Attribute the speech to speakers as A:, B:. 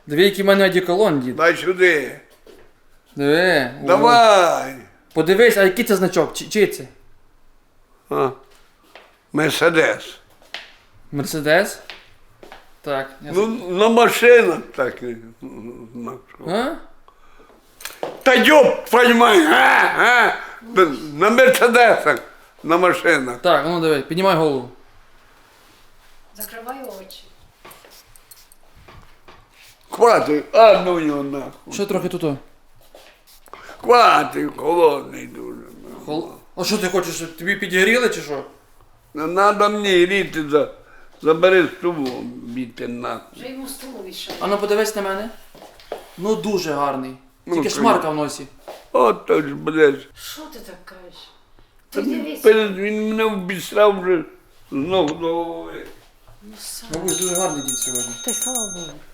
A: Диви, який в мене одеколон, дід.
B: Дай сюди.
A: Диви. О.
B: Давай.
A: Подивись, а який це значок? Чий це?
B: А. Мерседес.
A: Мерседес? Так.
B: Ну, на машинах так.
A: А?
B: Та йоп, твою мать, на Мерседесах, на машинах.
A: Так, ну диви, піднімай голову.
C: Закривай очі.
B: Хватить, а ну його нахуй.
A: Що трохи тут?
B: Хватить, холодний дуже.
A: А що ти хочеш, щоб тобі підігріли чи що?
B: Не надо мені гріти, забери стулу, біти нахуй.
C: Вже йому стулу відшов.
A: А ну подивись на мене. Ну дуже гарний.
B: Ну,
A: Тільки шмарка в носі.
B: Ото ж, блядь.
C: Що ти так кажеш? Ти дивись.
B: Він мене обісрав вже з ног до голови.
C: Ну, сам.
A: Бабусь, дуже гарний дід сьогодні.
C: Ти слава Богу.